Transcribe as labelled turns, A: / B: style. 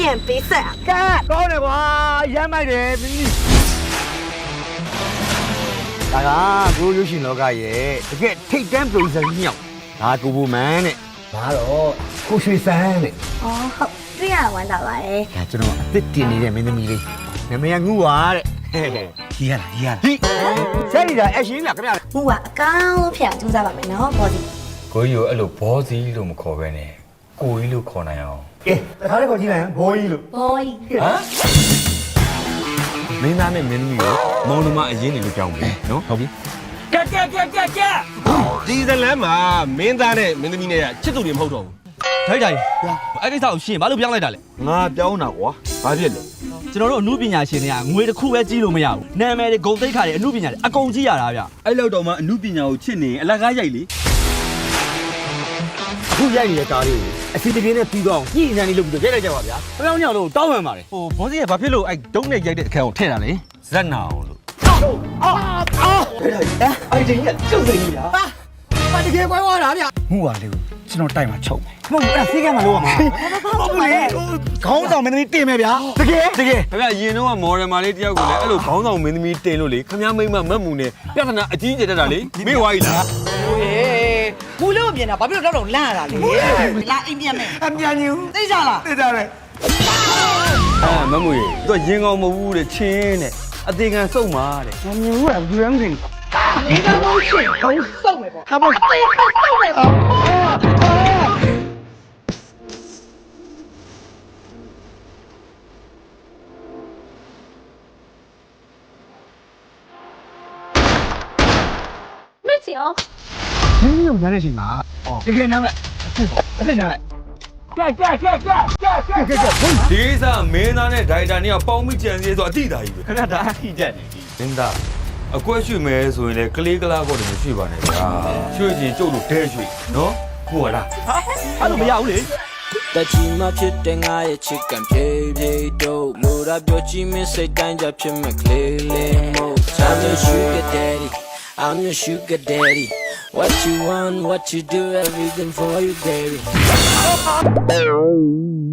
A: 变比赛。
B: 干，高点哇，烟卖的，你。大家，我有新老家爷，这个推荐不是鸟，他姑父们呢，哪咯，过水山呢。
A: 哦，好，这样玩到了哎。
B: 哎，这种这点你的没得米的，那么样我啊的，嘿嘿，厉害了，厉害了。嘿，这里的爱心了，怎么样？
A: 我啊，刚骗就在外面，然后跑的。
C: ကိုကြီးကိုအဲ့လိုဘောစီလို့မခေါ်ပဲနဲ့ကိုကြီးလို့ခေါ်နိုင်အောင်
B: 哎，他那个进来，可以了。
A: 可以。
C: ဟမ်မင်းသားနဲ့မင်းသမီးကိုမောင်နှမအရင်နေလို့ကြောင်းပြီနော်ဟုတ်ပြီကဲ
D: ဒီဇလန်မှာမင်းသားနဲ့မင်းသမီးနဲ့ချစ်သူတွေမဟုတ်တော့ဘူး
E: ထိုက်တိုင်းအဲ့ကိစ္စကိုရှင်းဘာလို့ပြောင်းလိုက်တာလဲ
D: ငါပြောင်းတာကွာဘာဖြစ်လဲ
E: ကျွန်တော်တို့အမှုပညာရှင်တွေကငွေတစ်ခုပဲကြီးလို့မရဘူးနာမည်တွေဂုဏ်သိက္ခာတွေအမှုပညာတွေအကုန်ကြီးရတာဗျ
F: အဲ့လောက်တော့မှအမှုပညာကိုချစ်နေရင်အလကားရိုက်လေ
B: အခုရိုက်နေတဲ့ကားလေးကိုအစီအပြေနဲ့ပြီးတော့ညှိနှိုင်းလေးလုပ်ပြီးတော့ရိုက်လိုက်ကြပါဗျာ။အပြောင်းညောင်လို့တောင်းပန်ပါတယ်
E: ဟိုဘောစီကဘာဖြစ်လို့အဲ့ဒုံးနဲ့ရိုက်တဲ့အခန်းကိုထည့်တာလဲ
C: ဇက်နာအောင်လို့
B: အဲ့ဒီကြီးကကျုပ်နေပြီဗျာ။ဟာတကယ်ကွဲသွားတာဗျာ။မှုပါလေကိုကျွန်တော်တိုက်မှာချုပ်မယ်။မဟုတ်ဘူးအဲ့ဒါဖေးကမ်းမှာလို့ရမှာ။ဟုတ်ဘူးလေ။ခေါင်းဆောင်မင်းသမီးတင်မယ်ဗျာ။တကယ်
C: ခင်ဗျရင်တော့မော်ဒယ်မာလေးတယောက်ကိုလည်းအဲ့လိုခေါင်းဆောင်မင်းသမီးတင်လို့လေခင်ဗျမိမမတ်မှုနဲ့ပြဿနာအကြီးကျယ်တက်တာလေမေ့ဝါကြီးလား
G: ဘူးလို့မြင်တာဘာဖြစ်လို့တော့လန့်ရတာလဲလာအိမ်ပြန်မယ်
B: အမြန်ကြီးဦး
G: သိကြလား
B: သိကြတယ်
C: မမွေသူကရင်ကောင်မဟုတ်ဘူးတဲ့ချင်းတဲ့အသေးခံစုံပါတဲ့
B: ။အမြန်ဦးကဘူးရမ်းစင်
G: ဒီတော့ရှင်ခေါင်းစုံမယ်ပေါ့ဟာပေါ့သိခေါင်းစုံမယ်ပေါ့
A: 没行。
B: ။နင်းရုံရတဲ့အချိန်မှာတကယ်နားမဲ့အဲ့ဒါနားမဲ့ကြက်
C: ဒီကိစ္စမင်းသားနဲ့ဒိုင်တာနဲ့ပေါင်းမိကြံစည်ဆိုအတိတာကြီးပဲ
E: ခဏဒါအထိတက်နေပြီ
C: မင်းသားအကွက်ရွှေမဲဆိုရင်လေကလေးကလားကောတည်းမရွှေပါနဲ့ဗျာရွှေချင်ကျုပ်တို့ဒဲရွှေနော်ဟုတ်လား
E: အဲ့လိုမရဘူးလေ
H: တချီမဖြစ်တဲ့ငါရဲ့ချစ်ကံဖြည်းဖြည်းတို့လိုရာပြောချင်မစိတ်တိုင်းကြဖြစ်မဲ့ကလေးလေးမို့ I'm your sugar daddy I'm your sugar daddy What you want what you do everything for you baby